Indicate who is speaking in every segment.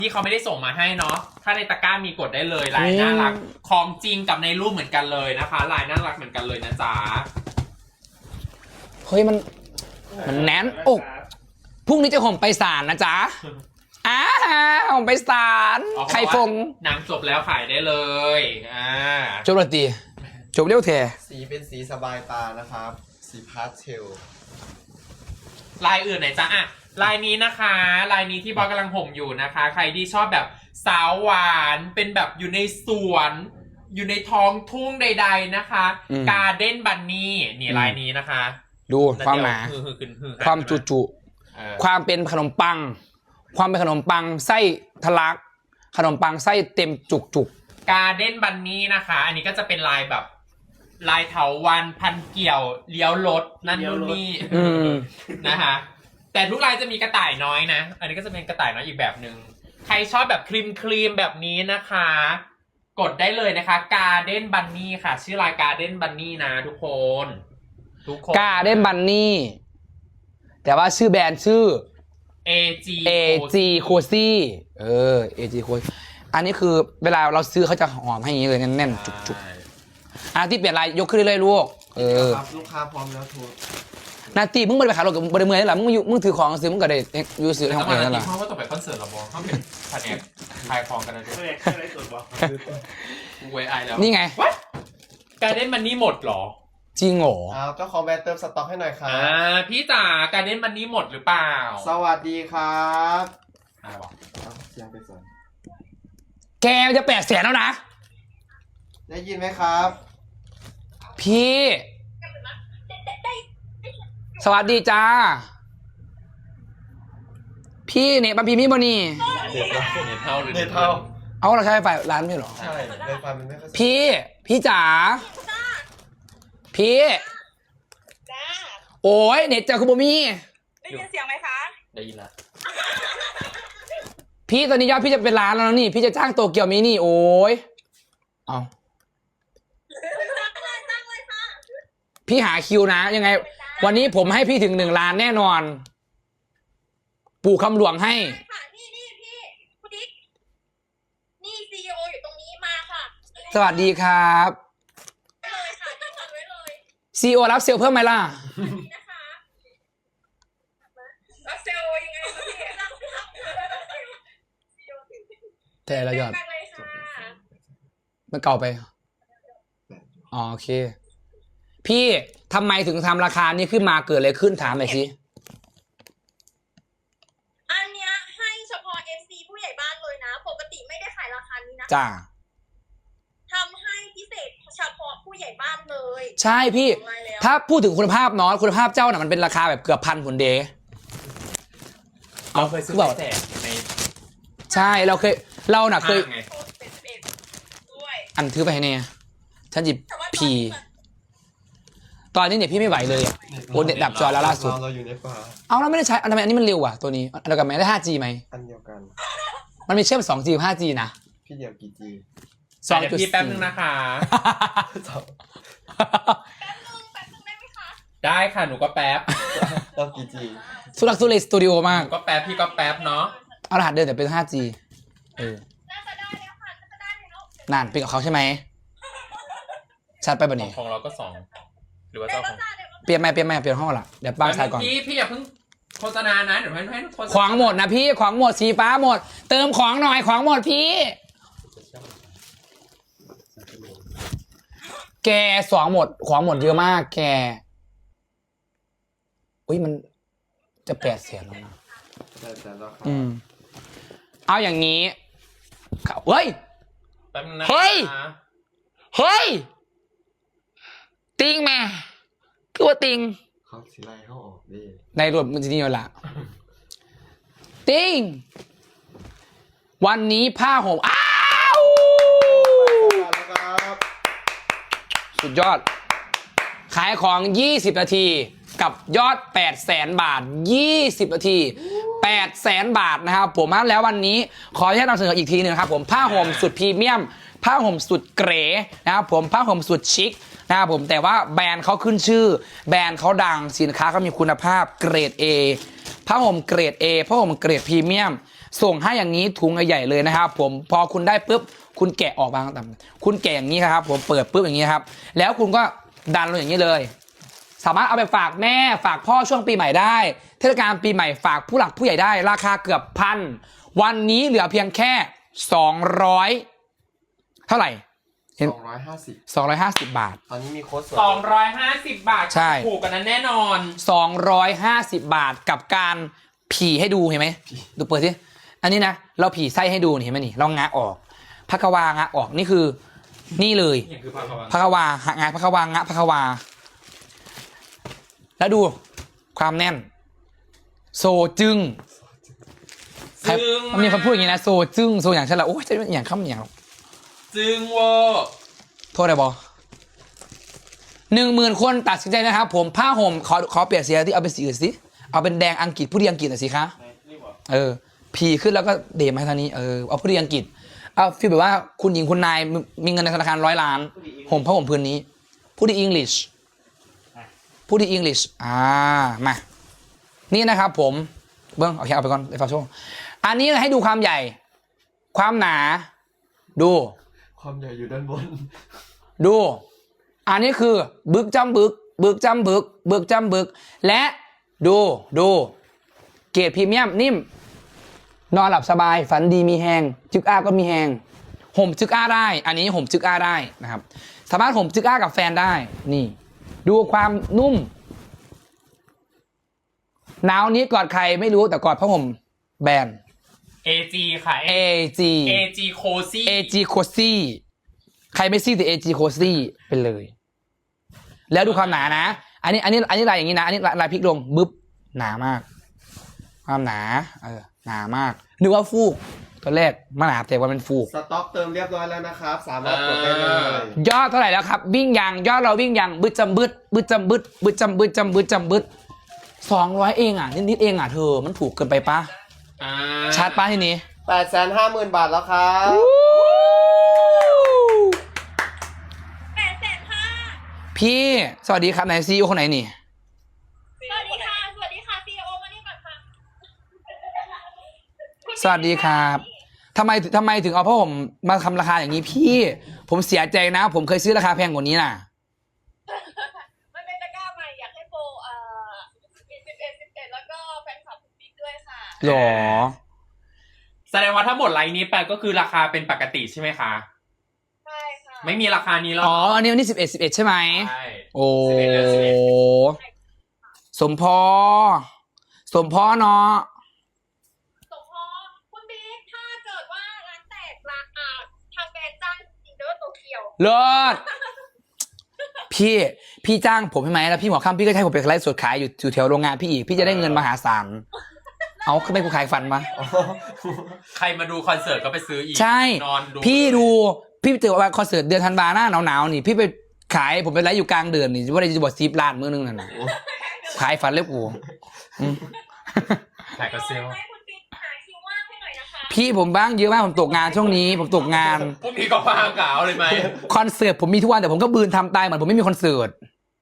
Speaker 1: ที่เขาไม่ได้ส่งมาให้เนาะถ้าในตะกร้ามีกดได้เลยลายน่ารักของจริงกับในรูปเหมือนกันเลยนะคะลายน่ารักเหมือนกันเลยนะจ๊ะ
Speaker 2: เฮ้ยมันแน่นอกพรุ่งนี้จะห่มไปศาลนะจ๊ะห่มไปศาลใครฟง
Speaker 1: นางจบแล้วขายได้เลย
Speaker 2: จบแล้วตีจบเร็วแท้
Speaker 3: สีเป็นสีสบายตานะครับ สีพาสเทล
Speaker 1: ลายอื่นไหนจ๊ะอ่ะลายนี้นะคะลายนี้ที่บอสกำลังห่มอยู่นะคะ ใครที่ชอบแบบสาวหวานเป็นแบบอยู่ในสวนอยู่ในท้องทุ่งใดๆนะคะการ์เด้นบันนี่นี่ลายนี้นะคะ
Speaker 2: ดูความหนาความจุความเป็นขนมปังความเป็นขนมปังไส้ทะลักขนมปังไส้เต็มจุก
Speaker 1: การ์เด้นบันนี่นะคะอันนี้ก็จะเป็นลายแบบลายเถาวัลย์พันเกี่ยวเลี้ยวรถนั่นนู่นนี่นะคะแต่ทุกลายจะมีกระต่ายน้อยนะอันนี้ก็จะเป็นกระต่ายน้อยอีกแบบหนึ่งใครชอบแบบครีมแบบนี้นะคะ กดได้เลยนะคะการ์เด้นบันนี่ค่ะชื่อลายการ์เด้นบันนี่นะทุกคน
Speaker 2: การ์เด้นบันนี่แต่ว่าชื่อแบรนด์ชื่อ AG Cozy AG Cozy อันนี้คือเวลาเราซื้อเขาจะหอมให้อย่างนี้เลยแน่นๆจุกที่เปลี่ยนลายยกขึ้นเรื่อยๆลูก
Speaker 3: ครับลูกค้าพร้อมแล้วโทร
Speaker 2: นาตีมึงไปขายรถกับบริเมืองนี่แหละมึงถือของซื้อมึงก็ได้ยูซื้อในห้องเองนั่นแหละ
Speaker 1: เพราะว่าต่อไปคอนเสิร์ตเราบอกเขาเป็นแผนกขายของกันนะด้วยอะไรสุดวะเวไอแล้ว
Speaker 2: นี่ไง
Speaker 1: การเด้นมันนี่หมดหรอ
Speaker 2: จริงเหรอ
Speaker 3: เจ้าของแบรนด์เติมสต็อกให้หน่อยครับ
Speaker 1: พี่จ๋าการเด้นมันนี่หมดหรือเปล่า
Speaker 3: สวัสดีครับ
Speaker 1: อะไรวะ
Speaker 3: เสียงไปสอน
Speaker 2: แกจะ800,000แล้วนะ
Speaker 3: ได้ยินไหมครับ
Speaker 2: พี่สวัสดีจ้าพี่เนี่ยบัมพีมีบนี่
Speaker 1: เน็ตเท่าหรือเน็ตเท่า
Speaker 2: เอาเราใช้ไฟร้านไม่หรอ
Speaker 3: ใช่ไฟมันไม่ค่อย
Speaker 2: พี่จ๋าพี่โอ้ยเน็ตเจอคุณบมี่
Speaker 4: ได้ยินเสียงไหมคะ
Speaker 1: ได้ยินละ
Speaker 2: พี่ตอนนี้ยอดพี่จะเป็นล้านแล้วนี่พี่จะจ้างโตเกียวมินี่โอ้ยเอาพี่หาคิวนะยังไงวันนี้ผมให้พี่ถึง1 ล้านแน่นอนปู่คำหลวงให้
Speaker 4: ค่ะนี่พี่คุณดิ๊กนี่ซีอีโออยู่ตรงนี้มาค่ะ
Speaker 2: สวัสดีครับ
Speaker 4: เลยค่ะจัดไว้เลย
Speaker 2: ซีโอรับเซลเพิ่มไหมล่ะ
Speaker 4: นะคะรับเซลยังไงพี่
Speaker 2: แต่ละยอดมันเก่าไปอ๋อโอเคพี่ทำไมถึงทำราคานี้ขึ้นมาเกิดอะไรขึ้นถามหน่อยสิ
Speaker 4: อันเนี้ยให้เฉพาะ FC ผู้ใหญ่บ้านเลยนะปกติไม่ได้ขายราคานี้นะ
Speaker 2: จ้า
Speaker 4: ทำให้พิเศษเฉพาะผู้ใหญ่บ้านเลย
Speaker 2: ใช่พี่ถ้าพูดถึงคุณภาพเนาะคุณภาพเจ้าน่ะมันเป็นราคาแบบเกือบ1,000 ผลเดย์
Speaker 1: เราเคยซื้อแจกใน
Speaker 2: ใช่เราน่ะเคยอันถือไปให้เนี่ยฉันหยิบพีตอนนี้เนี่ยพี่ไม่ไหวเลยอ่ะโอ้เน็ตดับจอแล้วล่าสุด
Speaker 3: เราอยู่ในป่า
Speaker 2: เอาแล้วไม่ได้ใช้ทำไมอันนี้มันเร็วอ่ะตัวนี้เรากับแม่ได้ 5G ไหม
Speaker 3: อันเดียวกัน
Speaker 2: มันมีเชื่อม 2G 5G นะ
Speaker 3: พี่เดียวกี่ G
Speaker 1: 2.4พี่แป๊บนึงนะคะ
Speaker 4: แป๊บนึงได้ไหมคะ
Speaker 1: ได้ค่ะหนูก็แป๊บ
Speaker 3: เรากี่ G
Speaker 2: สุรักสุเลสตูดิโอมาก
Speaker 1: ก็แป๊บพี่ก็แป๊บเนาะ
Speaker 2: เอารหัสเดินแต่เป็น 5G
Speaker 4: น่าจะได้แล้วค่ะน่าจะได้แล้ว
Speaker 2: นั่นเป็นกับเขาใช่ไหมชัดไปป่ะนี่
Speaker 1: ของเราก็2หรือว่าเจ้าของ
Speaker 2: เปลี่ยนห้องละเดี๋ยวป้าชายก่อน
Speaker 1: พี่อย่าเพิ่งโฆษณานะเดี๋ยวให้โฆษณา
Speaker 2: ของหมดนะพี่ของหมดสีฟ้าหมดเติมของหน่อยของหมดพี่แก2หมดของหมดเยอะมากแกอุ้ยมันจะ800,000แล้วนะเอาอย่างนี้เฮ้ยเฮ้ยติงแม่คือว่าติง
Speaker 3: เขาสิไล่เขาออกดิ
Speaker 2: ในรวมมันจะนี่ละติงวันนี้ผ้าห่มสุดยอดขายของ20 นาทีกับยอด800,000 บาท20 นาที800,000 บาทนะครับผมมาแล้ววันนี้ขออนุญาตนำเสนออีกทีหนึ่งครับผมผ้าห่มสุดพรีเมียมผ้าห่มสุดเก๋นะครับผมผ้าห่มสุดชิคนะครับผมแต่ว่าแบรนด์เขาขึ้นชื่อแบรนด์เขาดังสินค้าเขามีคุณภาพเกรด A ผ้าห่มเกรด A ผ้าห่มเกรดพรีเมียมส่งให้อย่างนี้ถุงใหญ่ๆเลยนะครับผมพอคุณได้ปุ๊บคุณแกะออกมาต่ำคุณแกะอย่างนี้ครับผมเปิดปุ๊บอย่างนี้ครับแล้วคุณก็ดันลงอย่างนี้เลย สามารถเอาไปฝากแม่ฝากพ่อช่วงปีใหม่ได้เทศกาลปีใหม่ฝากผู้หลักผู้ใหญ่ได้ราคาเกือบพันวันนี้เหลือเพียงแค่200เท่าไหร่
Speaker 3: 250
Speaker 2: 250 บาท
Speaker 3: ตอนนี้มีโค้ดส่วน
Speaker 1: 250 บาท
Speaker 2: ใช่
Speaker 1: ถูกกันนั้นแน่นอน
Speaker 2: 250 บาทกับการผีให้ดูเห็นไหมดูเปิดสิอันนี้นะเราผีไส้ให้ดูนี่เห็นไหมนี่เรางะออกพักวางะออกนี่คือนี่เลย
Speaker 1: นี่คือภาพวัน
Speaker 2: พักวางะพักวางะพักวาแล้วดูความแน่น โซจึงใคร
Speaker 1: จึง
Speaker 2: มันมีคนพูดอย่างนี้นะโซจึงโซอย่างฉันละโอ้ยจะอย่างคำอย่าง
Speaker 1: จึงเวอร์
Speaker 2: โทษได้บอ10,000 คนตัดสินใจนะครับผมผ้าห่มขอเปลี่ยนสีที่เอาเป็นสีอื่นสิเอาเป็นแดงอังกฤษผู้ดีอังกฤษหน่อยสิคะผีขึ้นแล้วก็เดมาทางนี้เอาผู้ดีอังกฤษเอาฟีลแบบว่าคุณหญิงคุณนายมีเงินในธนาคาร100 ล้านห่มผ้าห่มพื้นนี้ผู้ดีอังกฤษผู้ดีอังกฤษมานี่นะครับผมเบิ้งโอเคเอาไปก่อนไอ้ฟาโชอันนี้ให้ดูความใหญ่ความหนาดู
Speaker 3: ความใหญ่อยู่ด้านบน
Speaker 2: ดู อันนี้คือบึกจำบึกบึกจำบึกบึกจำบึกและดูเกรดพรีเมียมนิ่มนอนหลับสบายฝันดีมีแหงจึกอ้าก็มีแหงห่มจึกอ้าได้อันนี้ห่มจึกอ้าได้นะครับสามารถห่มจึกอ้ากับแฟนได้นี่ดูความนุ่มหนาวนี้กอดใครไม่รู้แต่กอดผ้าห่มแบรนด์
Speaker 1: AG ค่ะ
Speaker 2: AG
Speaker 1: AG Cozy
Speaker 2: AG Cozy ใครไม่ซี่แต่ AG Cozy เป็นเลย แล้วดูความหนานะ อันนี้ลายอย่างนี้นะ อันนี้ลายพลิกลงบึ๊บหนามาก ความหนาหนามากนึกว่าฟูกตอนแรกมันหนาแต่ว่าเป็นฟูก
Speaker 3: สต็อกเติมเรียบร้อยแล้วนะครับ สามารถกดได้เลย
Speaker 2: ยอดเท่าไหร่แล้วครับวิ่งยังยอดเราวิ่งยังบึดจำบึดบึดจำบึดบึดจำบึดจำบึดจำบึด200เองนิดเองเธอมันถูกเกินไปปะชัดปะทีนี้
Speaker 3: 850,000 บาทแล้วครับ
Speaker 4: 850,000
Speaker 2: พี่สวัสดีครับไหนซีอีโอคนไหนนี่
Speaker 4: สวัสดีค่ะ สวัสดีค่ะ CEO มานี่ก่อนค่ะ
Speaker 2: สวัสดีครับทำไมถึงเอาผ้าห่มมาทำราคาอย่างนี้พี่ ผมเสียใจนะ ผมเคยซื้อราคาแพงกว่านี้น่ะ
Speaker 4: มันเป็นตะกร้าใหม่อยากให้โปร11แล้วก็แฟนคลับคุณบิ๊กด้วยค่ะ
Speaker 2: หรอ
Speaker 1: แสดงว่าถ้าหมดไลน์นี้ไปก็คือราคาเป็นปกติใช่ไหมคะ
Speaker 4: ใช่ค่ะ
Speaker 1: ไม่มีราคานี้แล้ว
Speaker 2: อ๋อ อันนี้วันนี้11ใช่ไหม
Speaker 1: ใช่
Speaker 2: โอ้
Speaker 1: 11เดือน11
Speaker 2: สมพเนาะ
Speaker 4: สมพรคุณบิ๊กถ้าเกิดว่าร้านแตกร้านทางแบรนด์จ้างจริงๆเด้อโตเกียว
Speaker 2: เลิศพี่จ้างผมใช่ไหมแล้วพี่หัวค่ำพี่ก็ให้ผมไปไลฟ์สดขายอยู่แถวโรงงานพี่อีกพี่จะได้เงินมหาศาลเอาขึ้นไปกูขายฟันมา
Speaker 1: ใครมาดูคอนเสิร์ตก็ไปซื้ออีก
Speaker 2: ใช่
Speaker 1: นอนดู
Speaker 2: พี่เจอว่าคอนเสิร์ตเดือนธันวาหน้าหนาวๆนี่พี่ไปขายผมไปไลฟ์อยู่กลางเดือนนี่ว่าจะบอก10 ล้านมื้อนึงนั่นน่ะขายฟันเล็บกูอืม
Speaker 1: ขายกระเซล
Speaker 4: ให้คุณบิ๊กหาคิวว่างให้หน่อยนะคะ
Speaker 2: พี่ผมบ้างเยอะมากผมตกงานช่วงนี้ผมตกงาน
Speaker 1: พวกนี้ก็พางกาวเลยไหม
Speaker 2: คอนเสิร์ตผมมีทุกวันแต่ผมก็บืนทำตายเหมือนผมไม่มีคอนเสิร์ต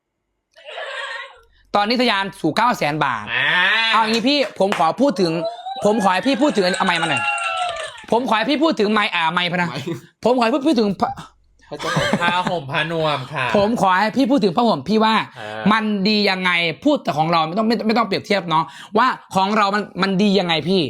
Speaker 2: ตอนนี้ทะยานสู่900,000 บาทเอาอย่างนี้พี่ผมขอให้พี่พูดถึงเอาไมค์มาหน่อยผมขอให้พี่พูดถึงไมค์พะนะผมขอให้พี่พูดถึง
Speaker 1: ผ้าห่มผ้านวมค่ะ
Speaker 2: ผมขอให้พี่พูดถึงผ้าห่มพี่ว่า
Speaker 1: มั
Speaker 2: มันดียังไงพูดแต่ของเราไม่ต้องเปรียบเทียบเนาะว่าของเรามันดียังไงพี่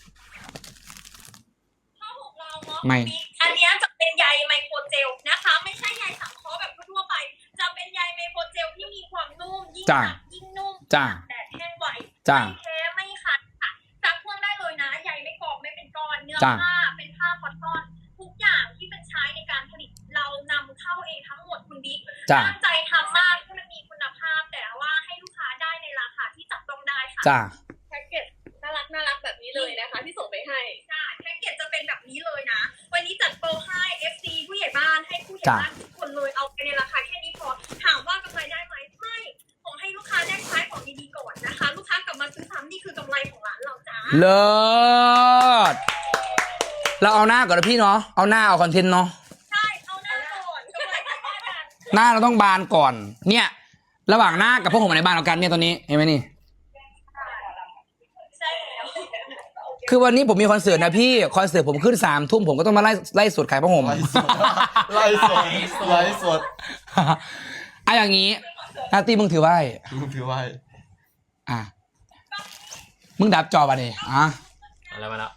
Speaker 4: ผ้าห่มเราเนาะ
Speaker 2: ไม่
Speaker 4: อันเนี้ยจะเป็นใยไมโครเจลนะคะ ไม่ใช่ใยสังเคราะห์แบบทั่วไป จะเป็นใยไมโครเจลที่มีความนุ่มยิ่งหนักยิ่งนุ่ม
Speaker 2: จ้า
Speaker 4: แต่แห้งไว
Speaker 2: จ้า
Speaker 4: ไม่แท้ไม่ขาดค่ะซักเครื่องได้เลยนะใยไม่กรอบไม่เป็นก้อนเนื้อ
Speaker 2: จ้ะ
Speaker 4: ผ้าเป็นผ้าคอตตอนทุกอย่างที่เป็นใช้ในการผลิตเรานำเข้าเองทั้งหมดคุณบิ๊ก
Speaker 2: จ้า
Speaker 4: ตั้งใจทำมากให้มันมีคุณภาพ แต่ว่าให้ลูกค้าได้ในราคาที่จับต้องได้ค่ะ
Speaker 2: จ้า
Speaker 4: แพ็กเกจน่ารักแบบนี้เลยนะคะ ที่ส่งไปให้ใช่แพ็กเกจจะเป็นแบบนี้เลยนะ วันนี้จัดโปรให้ FC ผู้ใหญ่บ้านให้ผู้ใหญ่บ้านทุกคนเลยเอาไปในราคาแค่นี้พอถามว่ากำไรได้ไหมไม่ขอให้ลูกค้าได้ใช้ของดีๆก่อนนะคะ ลูกค้ากลับมาซื้อซ้ำนี่คือกำไรของร้านเราจ้า
Speaker 2: เลิศเราเอาหน้าก่อนนะพี่เนาะเอาหน้าเอาคอนเทนต์เนาะ
Speaker 4: ใช่เอาหน้าก่อนกำไรที่บ้านกัน
Speaker 2: หน้าเราต้องบานก่อน เนี่ย ระหว่างหน้ากับพวกผมในบ้านเรากันเนี่ยตอนนี้เห็นไหมนี่
Speaker 4: ใช่แล้ว
Speaker 2: คือวันนี้ผมมีคอนเสิร์ตนะพี่คอนเสิร์ตผมขึ้น3 ทุ่มผมก็ต้องมาไล่สดขายผ้าห่ม
Speaker 3: ไล่สดไล่สดไล่สด
Speaker 2: อ่ะอย่างนี้นาตีมึงถือไว้
Speaker 3: มึงถือไว้
Speaker 2: อ่ะมึงดับจอป่ะนี่อ่ะ
Speaker 1: มาแล้ว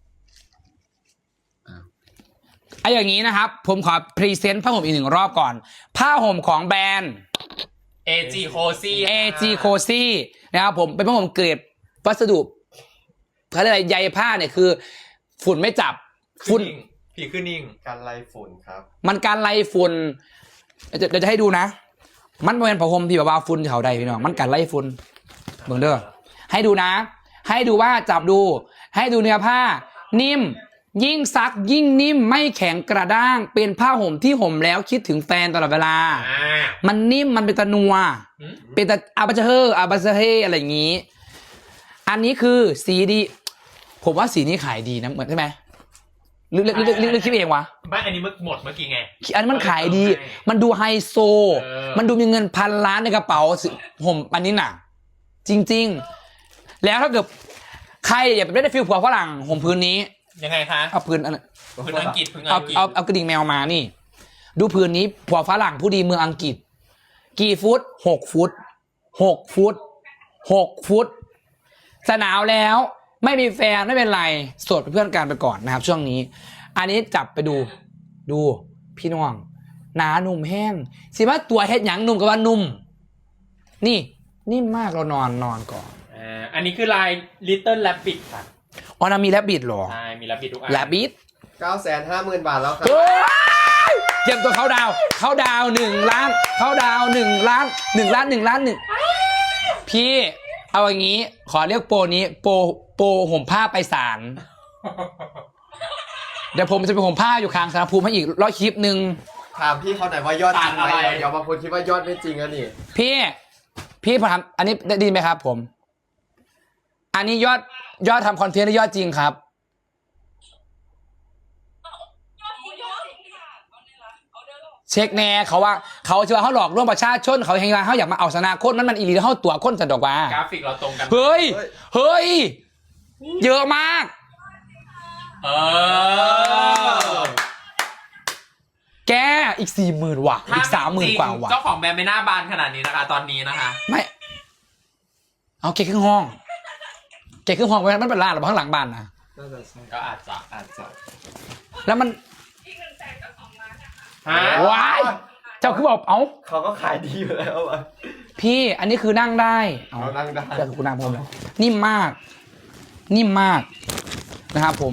Speaker 2: ไอ้อย่างนี้นะครับ ผมขอพรีเซนต์ผ้าห่มอีก1 รอบก่อน ผ้าห่มของแบรนด์
Speaker 1: AG Cozy
Speaker 2: AG Cozy นะครับผมเป็นผ้าห่มเกรดวัสดุเขาเรียกอะไรใยผ้าเนี่ยคือ ฝุ่นไม่จับฝุ่น
Speaker 1: ผีขึ้นนิ่ง
Speaker 3: การไล่ฝุ่นครับ
Speaker 2: มันการไล่ฝุ่นเดี๋ยวจะให้ดูนะ มันเป็นผ้าห่มที่แบบว่าฝุ่นแถวใดพี่น้องมันการไล่ฝุ่นเบิ่งเด้อให้ดูนะ ให้ดูว่าจับดู ให้ดูเนื้อผ้า นิ่ม ยิ่งซักยิ่งนิ่มไม่แข็งกระด้าง เป็นผ้าห่มที่ห่มแล้วคิดถึงแฟนตลอดเวลา มันนิ่มมันเป็นตะนัว เป็นตะอาบาเฮอร์อาบาเฮอะไรอย่างนี้ อันนี้คือสีดี ผมว่าสีนี้ขายดีนะเหมือนใช่ไหมหรือคิดเองวะ
Speaker 1: ไม่อันนี้หมดเมื่อกี้ไง
Speaker 2: อันนี้มันขายดี มันดูไฮโซ มันดูมีเงิน1,000 ล้านในกระเป๋าห่มอันนี้หนักจริงๆ แล้วถ้าเกิดใครอยากได้ฟิลผัวฝรั่งห่มพื้นนี้
Speaker 1: ยังไงคะ
Speaker 2: เอาพื้นอัน
Speaker 1: พื้นอังกฤษพื้น
Speaker 2: เอา
Speaker 1: อังกฤษ
Speaker 2: เอากระดิ่งแมวมานี่ ดูพื้นนี้ผัวฝรั่งผู้ดีเมืองอังกฤษ กี่ฟุต6 ฟุต6 ฟุต6 ฟุตจะหนาวแล้วไม่มีแฟนไม่เป็นไรโสดเป็นเพื่อนกันไปก่อนนะครับ ช่วงนี้ อันนี้จับไปดูพี่น้องหนาหนุ่มแห้งสิว่าตัวเฮ็ดหยังหนุ่มกับว่านุ่มนี่นิ่มมากเรานอนก่อน
Speaker 1: อันนี้คือลาย Little Rabbit ค่ะ
Speaker 2: อ๋อนามีแรบบิดหรอ
Speaker 1: ใช่มี Rabbit ทุกอัน
Speaker 2: แรบบิด
Speaker 3: 950,000 บาทแล้วครับ
Speaker 2: เตรียมตัวเขาดาว1 ล้านเขาดาว1 ล้าน1 ล้าน1 ล้าน1พี่เอาอย่างนี้ขอเรียกโปรนี้โปรห่มผ้าไปศาลเดี๋ยวผมจะไปห่มผ้าอยู่ข้างสารภูมิให้อีก100 คลิปนึง
Speaker 3: ถามพี่เขาหน่อยว่ายอดจริงไหมเดี๋ยวบางคนคิดว่ายอดไม่จริงอะนี่
Speaker 2: พี่ผมทำอันนี้ได้ดีไหมครับผม อันนี้ยอดทำคอนเทนต์ยอดจริงครับ เช็คแน่เขาว่าเขาจะว่าเขาหลอกลวงประชาชนเขาเฮงว่าเขาอยากมาเอาชนะคนมันอีหลีเขาตัวคนสะดอกว่าก
Speaker 1: ราฟิกเราตรงกัน
Speaker 2: เฮ้ยเยอะมาก แกอีก 40,000 ว่ะอีก 30,000 กว่าว่ะ
Speaker 1: เจ้าของแบรนด์ไม่น่าบานขนาดนี้นะคะ ตอนนี้นะคะ
Speaker 2: ไม่เอาเกครึ่งห้องไว้มันเป็นร้านหรือข้างหลังบ้านนะ
Speaker 3: น่าจะใช่
Speaker 1: ก็อาจจะ
Speaker 2: แล้วมัน
Speaker 1: ฮะ
Speaker 2: ว้ายเจ้าคือบอกเอ้า
Speaker 3: เขาก็ขายดีอยู่แล้วอะ
Speaker 2: พี่อันนี้คือนั่งได้
Speaker 3: เขานั่งได้
Speaker 2: เดี๋ยวคุณนั่งผมเลยนิ่มมากนะครับผม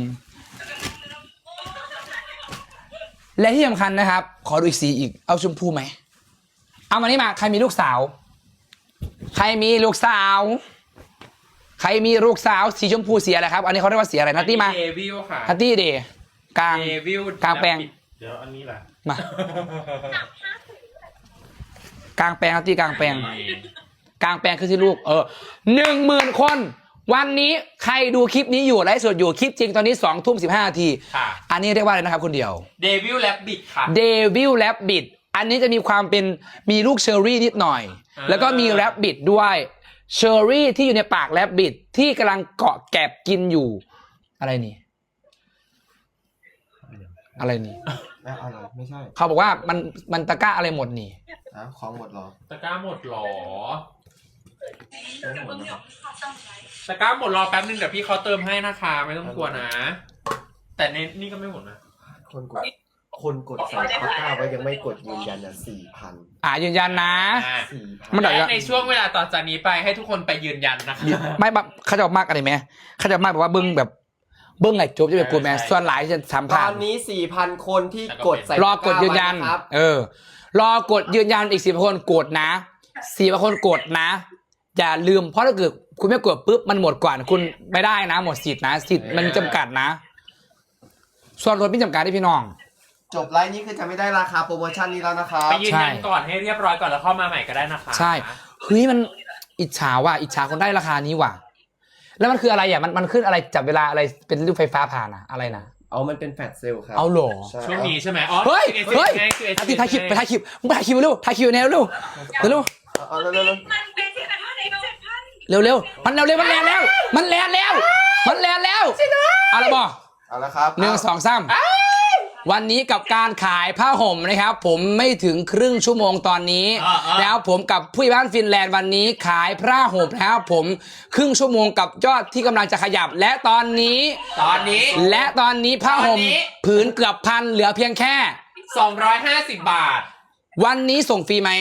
Speaker 2: และที่สำคัญนะครับ ขอดูอีกสีอีกเอาชมพูไหมเอามานี่มาใครมีลูกสาวสีชมพูสีอะไรครับ อันนี้เขาเรียกว่าสีอะไรนัตตี้มา
Speaker 1: เดวิลค่ะ
Speaker 2: นัตตี้เดย์กลาง
Speaker 1: เดวิล
Speaker 2: กลางแปลง
Speaker 1: เดี๋ยวอันนี้แหละ
Speaker 2: มากลางแปลงนัตตี้กลางแปลงคือที่ลูก10,000 คนวันนี้ใครดูคลิปนี้อยู่ไลฟ์สดอยู่คลิปจริงตอนนี้20:15 นาที
Speaker 1: ค่ะ
Speaker 2: อันนี้เรียกว่าอะไรนะครับคนเดียว
Speaker 1: เดวิลแรบบิทค่ะ
Speaker 2: เดวิลแรบบิทอันนี้จะมีความเป็นมีลูกเชอร์รี่นิดหน่อย แล้วก็มีแรบบิทด้วยเชอร์รี่ที่อยู่ในปากแรบบิทที่กำลังเกาะแกบกินอยู่อะไรนี่อะไรนี่
Speaker 3: อะไรไม่ใช่
Speaker 2: เขาบอกว่ามันตะกร้าอะไรหมดนี่
Speaker 3: ของหมดเหรอ
Speaker 1: ตะกร้าหมดหรอ
Speaker 3: ไม่หมดเหรอ
Speaker 1: ตะกร้าหมดรอแป๊บนึงเดี๋ยวพี่เขาเติมให้นะคะไม่ต้องกลัวนะ แต่ในนี่ก็ไม่หมดนะ
Speaker 3: คนกดใส่ตะกร้าไว้ยังไม่กดยืนยัน4,000
Speaker 2: ยืนยันนะ
Speaker 3: 4,000
Speaker 2: มันได้
Speaker 1: และในช่วงเวลาต่อจากนี้ไปให้ทุกคนไปยืนยันนะคะ
Speaker 2: ไม่แบบเขาจะมากอะไรไหมเขาจะมากแบบว่าเบิ้งไงจบจะเป็นกูแมนส่วนหลายจะสาม
Speaker 3: ต
Speaker 2: พั
Speaker 3: อน นนี้ 4,000 คนที่กดใส่
Speaker 2: รอกดยืนยัน
Speaker 3: ตะกร้าไว้ะครับ
Speaker 2: รอกดยืนยันอีก4,000 คนกดนะ4,000 คนกดนะ อย่าลืมเพราะถ้าเกิดคุณไม่กดปุ๊บมันหมดก่อนคุณไม่ได้นะหมดสิทธินะสิทธิ์มันจำกัดนะส่วนลดไม่จำกัดที่พี่น้อง
Speaker 3: จบไลฟ์นี้คือจะไม่ได้ราคาโปรโมชั่นนี้แล้วนะครับ
Speaker 1: ไปยืนยันก่อนให้เรียบร้อยก่อนแล้วเข้ามาใหม่ก็ได้นะคะ
Speaker 2: ใช่เฮ้ยมันอิจฉาว่ะอิจฉาคนได้ราคานี้ว่ะแล้วมันคืออะไรอ่ะมันขึ้นอะไรจับเวลาอะไรเป็นรูปไฟฟ้าผ่านอะอะไรนะ
Speaker 3: มันเป็นแฟลชเซลครับ
Speaker 2: เอาเหรอ
Speaker 3: ใช่
Speaker 1: ช่วงนี้ใช่ไหมอ๋อ
Speaker 2: เฮ้ย
Speaker 1: ไงคือ
Speaker 2: ถ่ายคลิปไปถ่ายคลิปมึงถ่ายคลิปเร็วถ่ายคลิปแนวเร็วเร็ว
Speaker 3: เอาเร็ว
Speaker 4: มันเป็นที่แบบว่าใน7,000
Speaker 2: เร็วมันแรงแล้วมันแลนแล้วเอาละบอก
Speaker 3: เอาละครับ
Speaker 2: 1 2 3วันนี้กับการขายผ้าห่มนะครับ ผมไม่ถึงครึ่งชั่วโมงตอนนี้แล้วผมกับผู้ใหญ่บ้านฟินแลนด์วันนี้ขายผ้าห่มนะครับผมครึ่งชั่วโมงกับยอดที่กำลังจะขยับและตอนนี้ผ้าห่มผืนเกือบพันเหลือเพียงแค่
Speaker 1: 250 บาท
Speaker 2: วันนี้ส่งฟรีไหม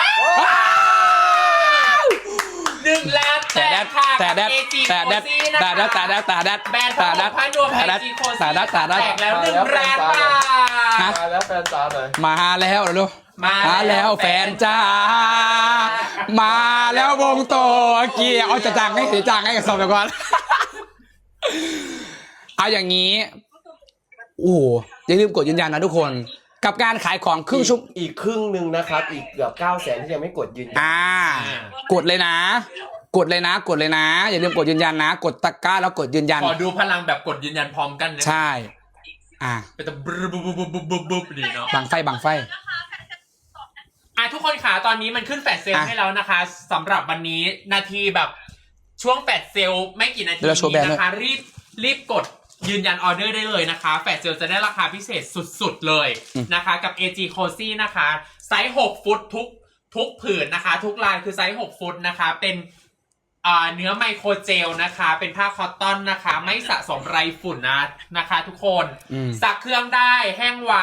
Speaker 1: 1 ล้านแตกค่ะ
Speaker 2: แต่แดด
Speaker 1: AG
Speaker 2: แต่แดด
Speaker 1: Cozy นะคะ
Speaker 2: แต่แดดแต่แดดแต่แดด
Speaker 1: แบรนด์ผ้าห่มผ้านวม AG Cozy
Speaker 2: แต่แดดแต่แดด
Speaker 1: แตกแล้ว1 ล้านบาท
Speaker 3: มาแล้วแฟนจ้าเลย
Speaker 2: มาแล้วเหรอลูก
Speaker 1: มาแล้ว
Speaker 2: แฟนจ้ามาแล้ววงโตเกียร์เอาจะจ้างให้กับสอบไปก่อน เอาอย่างนี้โอ้โหอย่าลืมกดยืนยันนะทุกคนกับการขายของครึ่งชั่วโมง
Speaker 3: อีกครึ่งหนึ่งนะครับ อีกเกือบ900,000ที่ยังไม่กดยืนยัน
Speaker 2: กดเลยนะ กดเลยนะอย่าลืมกดยืนยันนะ กดตะกร้าแล้วกดยืนยัน
Speaker 1: ขอดูพลังแบบกดยืนยันพร้อมกันนะ
Speaker 2: ใช่
Speaker 1: เป็นแต่บึ๊บดีเนาะ
Speaker 2: บังไฟ
Speaker 1: ทุกคนค่ะตอนนี้มันขึ้นแฟลชเซลให้แล้วนะคะสำหรับวันนี้นาทีแบบช่วงแฟลชเซลไม่กี่นาทีนี้นะคะรีบกดยืนยันออเดอร์ได้เลยนะคะแฟลชเซลจะได้ราคาพิเศษสุดๆเลยนะคะกับ AG Cozy นะคะไซส์6ฟุตทุกผืนนะคะทุกลายคือไซส์6ฟุตนะคะเป็นเนื้อไมโครเจลนะคะเป็นผ้าคอตตอนนะคะไม่สะสมไรฝุ่นนะคะทุกคนซักเครื่องได้แห้งไว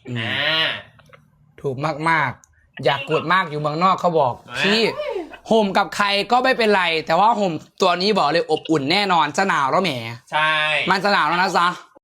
Speaker 2: ถูกมากๆอยากกดมากอยู่เมืองนอกเขาบอกที่ห่มกับใครก็ไม่เป็นไรแต่ว่าห่มตัวนี้บอกเลยอบอุ่นแน่นอนจะหนาวแล้วแหม
Speaker 1: ใช่
Speaker 2: มันจะหนาวแล้วนะจ๊ะ